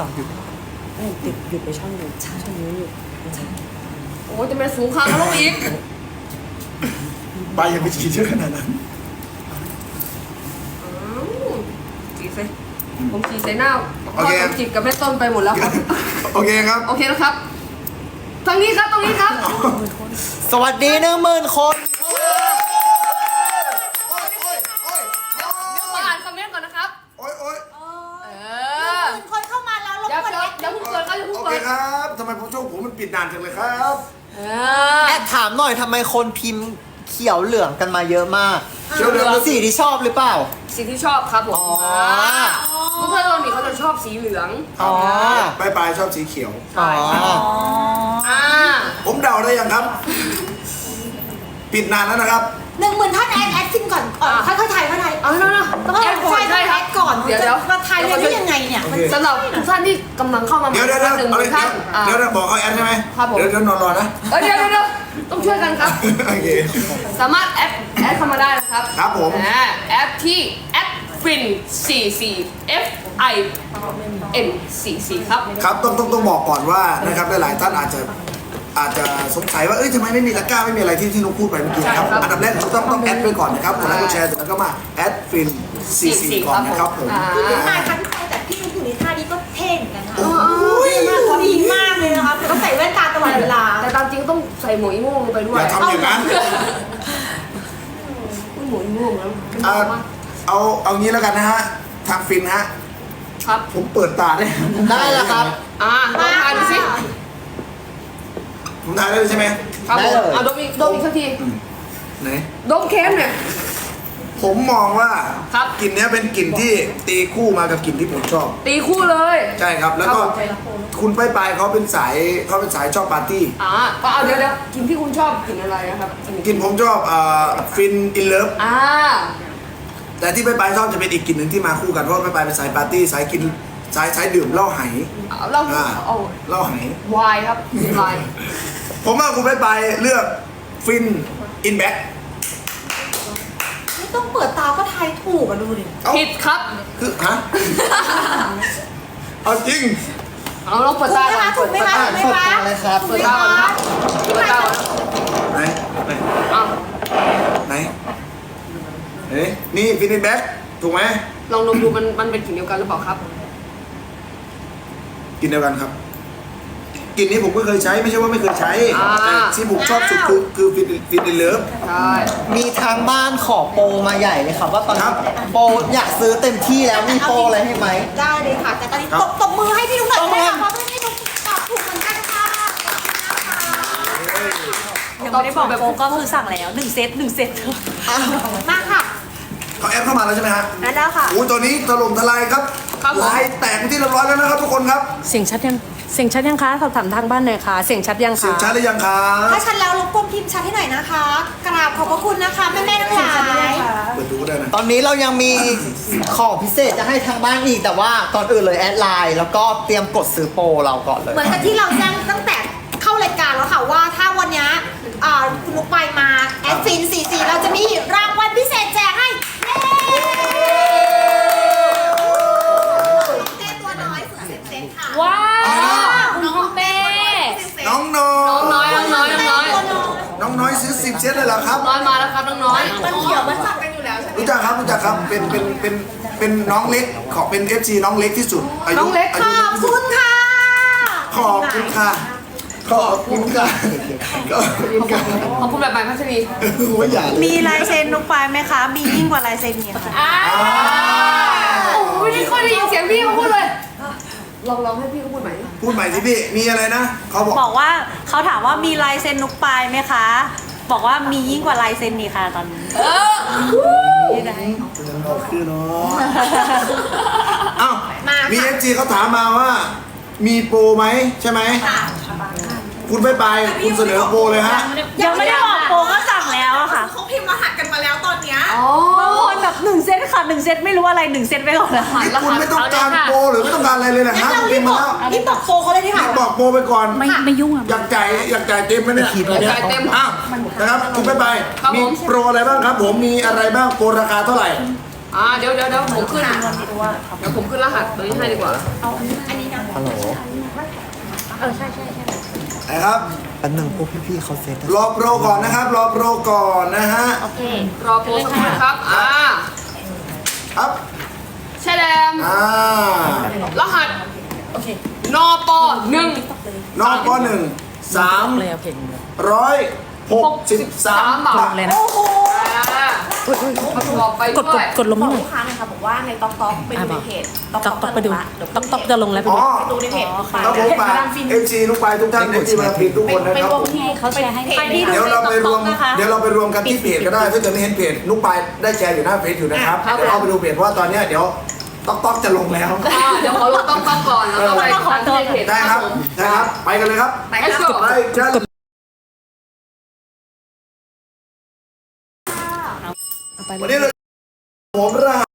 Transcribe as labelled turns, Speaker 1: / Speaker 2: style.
Speaker 1: ต่อหยุดติดหยุดไปช่องนึงช่องนี้หยุด
Speaker 2: โอ้จะเป็นสูงคางแล้วลงอีก
Speaker 3: ใบยังไปฉีดเยอะขนาดนั้น
Speaker 2: จีใส่ผมจีใส่หน้าพ่อต้องจิกกับแม่ต้นไปหมดแล้วครับ
Speaker 3: โอเคครับ
Speaker 2: โอเคนะครับตรงนี้ครับตรงนี้ครับ
Speaker 1: สวัสดี10,000 คน
Speaker 2: เดี๋ยวขออ่านคอมเมนต์ก่อนนะครับ
Speaker 3: โอ้ย
Speaker 4: คนเข้ามาแล้วรบ
Speaker 2: เดี๋ยว
Speaker 4: กวน
Speaker 2: เดี๋ยวเพิ่งเปิดก็อย่าเพิ่ง
Speaker 3: โอ
Speaker 2: เปิ
Speaker 3: เค
Speaker 2: ด
Speaker 3: ครับทำไมผมช่วงผมมันปิดนานจังเลยครับ
Speaker 1: แอบถามหน่อยทำไมคนพิมพ์เขียวเหลืองกันมาเยอะมาก
Speaker 3: เขียวเหลือง
Speaker 1: สีที่ชอบหรือเปล่า
Speaker 2: สีที่ชอบครับผม
Speaker 1: อ๋อ
Speaker 2: เพื่อนๆเรานี่เขาจะชอบสีเหลือง
Speaker 1: อ๋อ
Speaker 3: ปลายชอบสีเขียว
Speaker 1: อ๋อ
Speaker 2: อ่า
Speaker 3: ผมเดาได้ยังครับ ปิดนานแล้วนะครับ
Speaker 4: 10,000ท่านแอดซิมก่อนค่อยๆถ่ายค่อยๆถ่าย
Speaker 2: เอาแล้วนะต้องแอดก่อนใช่ครับ
Speaker 4: ก่อน
Speaker 2: เดี๋ยว
Speaker 4: มาถ่ายเลยได้ยังไงเนี่ย
Speaker 3: โอเค
Speaker 2: สำหรับทุกท่านที่กำลังเข้ามา
Speaker 3: เดี๋ยว
Speaker 2: หนึ่ง
Speaker 3: เอาเลย
Speaker 2: ท่าน
Speaker 3: เดี๋ยวบอกเขาแอดใช่ไหม
Speaker 2: ครับผม
Speaker 3: เดี๋ยวนอนรอนะ
Speaker 2: เดี๋ยวต้องช่วยกันครับ
Speaker 3: โอเค
Speaker 2: สามารถแอดเข้ามาได้นะครับ
Speaker 3: ครับผม
Speaker 2: แอดที่แอดฟิน44 FIN44 ครับ
Speaker 3: ครับต้องบอกก่อนว่านะครับหลายๆท่านอาจจะสงสัยว่าทำไมไม่มีตะกร้าไม่มีอะไรที่นุ๊กพูดไปเมื่อกี้นะครับ
Speaker 2: ใช่ครับ
Speaker 3: อันดับแรกต้องแอดไปก่อนนะครับกดไลค์กดแชร์เสร็จแล้วก็มาแอดฟิน44ก่อนนะครับผม
Speaker 4: พี่ถ่ายครั้งที่แต่พี่นุ๊กอยู่ในท่านี้ก็เท่เหมือนกันนะ
Speaker 3: โอ้ย
Speaker 4: ดีมากเลยนะคะต้องใส่แว่นตาตลอดเวลา
Speaker 2: แต่ตามจริงต้องใส่หมวกอีโม่งลงไปด้ว
Speaker 3: อย ย่าทำอย่างนั้น
Speaker 2: หมวกอีโม่งแล้ว
Speaker 3: เอางี้แล้วกันนะฮะทางฟินฮะ
Speaker 2: ครับ
Speaker 3: ผมเปิดตาได้
Speaker 1: ได้แล้วครับ
Speaker 2: ลองทานดูสิ
Speaker 3: ผมทายได้เลยใช่ไหม
Speaker 2: ครับ
Speaker 1: ได้
Speaker 2: ผม
Speaker 1: เลย
Speaker 2: ดมอีกสักที
Speaker 3: ไหน
Speaker 2: ดมเค็มเนี่ย
Speaker 3: ผมมองว่า
Speaker 2: ครับ
Speaker 3: กลิ่นเนี้ยเป็นกลิ่นที่ตีคู่มากับกลิ่นที่ผมชอบ
Speaker 2: ตีคู่เลย
Speaker 3: ใช่ครับ แล้วก็
Speaker 2: ครับผม
Speaker 3: คุณปลายเขาเป็นสายชอบปาร์ตี้
Speaker 2: ก็เอาเดี๋ยวกินที่คุณชอบกินอะไรนะครับ
Speaker 3: กลิ่นผมชอบฟินอินเลิฟ แต่ที่ปลายชอบจะเป็นอีกกลิ่นหนึ่งที่มาคู่กันเพราะว่าปลายเป็นสายปาร์ตี้สายกินสายดื่มเหล้าไห
Speaker 2: เรา
Speaker 3: เอาเหล้าไห
Speaker 2: วายครับวาย
Speaker 3: ผมว่าคุณปลายเลือกฟินอินแบ็ค
Speaker 4: ไม่ต้องเปิดตาก็ทายถูกอะดูดิ
Speaker 2: ผิดครับ
Speaker 3: คือฮะ เอาจริง
Speaker 2: เอาลองเปิด
Speaker 4: ถูก
Speaker 2: ตา
Speaker 4: ไหม
Speaker 2: ก่อน
Speaker 4: คะถูกไหมคะถูกไหม
Speaker 1: เปิด
Speaker 4: คะ
Speaker 1: ตาเลยครับ
Speaker 2: เปิดตาก่อนครับเปิดตาก่อน
Speaker 3: ไหน
Speaker 2: อ่ะ
Speaker 3: ไหนนี่ฟินอินแบ็คถูกไหม
Speaker 2: ลองดมดูมันเป็นกลิ่นเดียวกันหรือเปล่าครับ
Speaker 3: กลิ่นเดียวกันครับกลิ่นนี้ผมก็เคยใช้ไม่ใช่ว่าไม่เคยใช้แต่ที่ผมชอบสุดคือฟินอินเลิฟ
Speaker 2: ใช่
Speaker 1: มีทางบ้านขอโปรมาใหญ่เลยครับว่าตอน
Speaker 3: ครั
Speaker 1: นี้
Speaker 3: บ
Speaker 1: โปรอยากซื้อเต็มที่แล้วมีโปรอะไรให้ไหม
Speaker 4: ได้เลยค่ะแต่ตอนนี้ตบมือให้พี่นุ๊กหน่อยได้ค่ะเพราะพี่นุ๊กตอบถูกเหมือนกันค่ะ
Speaker 5: ยังไม่ได้บอกโปรก็คือสั่งแล้ว1 เซต1 เซต
Speaker 4: มาค่ะ
Speaker 3: เขาแอปเข้ามาแล้วใช่ไหมฮะ
Speaker 4: นั่นแล้วค่ะ
Speaker 3: โอ้ยตอนนี้ถล่มทลายครับลายแตกเป็นที่เรียบร้อยแล้วนะครับทุกคนครับ
Speaker 5: เสียงชัดยังคะสอบถามทางบ้านหน่อยค่ะ เสียงชัดยัง
Speaker 3: เสียง
Speaker 5: คะ
Speaker 3: ชัดหรือยังครับ
Speaker 4: ถ้าชัดแล้วรบกวนพิมพ์ชัดให้หน่อยนะคะ กราบขอบพระคุณนะคะแม่ๆทั้งหลาย
Speaker 3: เปิดดูก็ได้นะ
Speaker 1: ตอนนี้เรายังมีของพิเศษจะให้ทางบ้านอีกแต่ว่าก่อนอื่นเลยแอดไลน์แล้วก็เตรียมกดซื้อโปรเราก่อนเลย
Speaker 4: เหมือนกับที่เราแจ้งตั้งแต่เข้ารายการแล้วค่ะว่าถ้าวันนี้คุณนุ๊กไปมาแอดฟิน44เราจะมีรางวัลพิเศษแจกให้เย้เต้ตัวน้อยสุดเซ็ตค่ะ
Speaker 5: ว้าวคุณเป้
Speaker 3: น้องน้อย
Speaker 2: น้อย
Speaker 3: น้องน้อยซื้อ10 เซตเลยเหรอครับ
Speaker 2: น้อยมาแล้วครับน้อย
Speaker 4: มันเขียวมันสับกันอยู่แล้วใช่ไหม
Speaker 3: รู้จักครับเป็นน้องเล็กขอเป็น FC น้องเล็กที่สุดอายุ
Speaker 2: น้องเล็ก
Speaker 3: อา
Speaker 4: ข
Speaker 3: ยุ
Speaker 4: อบคุณค่ะ
Speaker 3: ขอบคุณค่ะขอบคุณค่ะขอบคุณค่ะ
Speaker 2: ขอบคุณแบบใหม่พัชรี
Speaker 3: ไม่อยากเลย
Speaker 5: มีลายเซ็นนุกปลายไหมคะ มียิ่งกว่าลายเซ็นนี่ค่ะ
Speaker 2: ไม่ได้ค่อยได้ยินเสียงพี่เขาพูดเลยลองให้พี่เขาพูดใหม่
Speaker 3: พูดใหม่สิพี่มีอะไรนะเขาบอก
Speaker 5: บอกว่าเขาถามว่ามีลายเซ็นนุกปลายไหมคะ บอกว่ามียิ่งกว่าลายเซ็นนี่ค่ะตอนนี้นี่ได้
Speaker 3: คือเนาะอ้าว
Speaker 4: มาค่ะ
Speaker 3: มี FC เขาถามมาว่า มีโปรไหมใช่ไหมคุณไปคุณเสนอโปรเลยฮะ
Speaker 5: ยังไม่ได้บอกโปรก็สั่งแล้วอะค่ะ
Speaker 4: เขาพิมพ์รหัสกันมาแล้วตอนเนี้ย
Speaker 5: บางคนแบบ1 เซตค่ะ1 เซตไม่รู้อะไร1 เซตไปก่อนแล้วค่ะ
Speaker 3: นี่คุณไม่ต้องการโปรหรือไม่ต้องการอะไรเลยนะ
Speaker 4: งั้
Speaker 3: ฮะ
Speaker 4: นเรา
Speaker 3: พิ
Speaker 4: รี
Speaker 3: ม
Speaker 4: บ
Speaker 3: พ์
Speaker 4: บ
Speaker 3: มา
Speaker 4: อก
Speaker 3: แล้ว
Speaker 4: รีบบอกโฟเขาเลยดีค่ะ
Speaker 3: บอกโปรไปก่อน
Speaker 5: ไม่ยุ่งอ่ะ
Speaker 3: อยากจ่ายเต็มไหมเนี่ย
Speaker 2: จ่ายเต็ม
Speaker 3: อ้าวนะครับคุณไป
Speaker 2: ครับผม
Speaker 3: มีโปรอะไรบ้างครับ ผมมีอะไรบ้างโปรราคาเท่าไหร่
Speaker 2: เดี๋ยวผมขึ้นเดี๋ยวผมขึ้นรหัสตัวนี้ให้ดีกว่า
Speaker 4: อันนี้นะ
Speaker 1: ฮัล
Speaker 2: ใช่
Speaker 3: นะครับ
Speaker 1: อันหนึ่งพวกพี่ๆเขาเซ็ต
Speaker 3: รอโปรก่อนนะครับ รอโปรก่อนนะฮะ
Speaker 5: โอเค
Speaker 2: รอโพสสักครู่นะครับ
Speaker 3: ครับ
Speaker 2: แช่แดง รหัส
Speaker 5: โอเคน
Speaker 2: ปหนึ่ง
Speaker 3: นอกข้อ1
Speaker 5: เลยเอาเพลง
Speaker 3: 363 บาท
Speaker 5: เลยนะ
Speaker 2: ประกอบไป
Speaker 5: กด
Speaker 2: ด้วย
Speaker 5: กดลง
Speaker 6: บอ
Speaker 5: ห
Speaker 6: ก
Speaker 5: น่อย
Speaker 6: ลูกค้าหน่อยค่ะบอกว่าในต๊อกต๊อกไปดูในเพจ
Speaker 5: ต๊อกไปดูต๊อกจะลงแล้วไป
Speaker 3: อ๋
Speaker 5: ดู
Speaker 3: อ
Speaker 6: ดูในเพจลูกค้า
Speaker 3: ครับผมฝาก MC ลูกปลายทุกท่าน MC มาผิดทุกคนนะ
Speaker 6: ไป
Speaker 3: ครับ
Speaker 6: รว
Speaker 3: ผม ม
Speaker 6: ที่
Speaker 5: เขาแชร์ให้
Speaker 6: ไปที่
Speaker 3: เดี๋ยวเราไปรวม
Speaker 5: นะคะ
Speaker 3: เดี๋ยวเราไปรวมกันที่เพจก็ได้ถ้าเกิดไม่เห็นเพจลูกปลายได้แชร์อยู่หน้าเพจอยู่นะครับเดี๋ยวเราไปดูเพจเพราะว่าตอนเนี้ยเดี๋ยวต๊อกจะลงแล้ว
Speaker 2: เดี๋ยวขอลงต้องก่อนแล้วก็ไปขอตัวเพจ
Speaker 3: ได้ครับได้ครับ ไปกันเลยครับ
Speaker 2: ไปครับ
Speaker 3: ไปกันวันนี้เราผมรหัส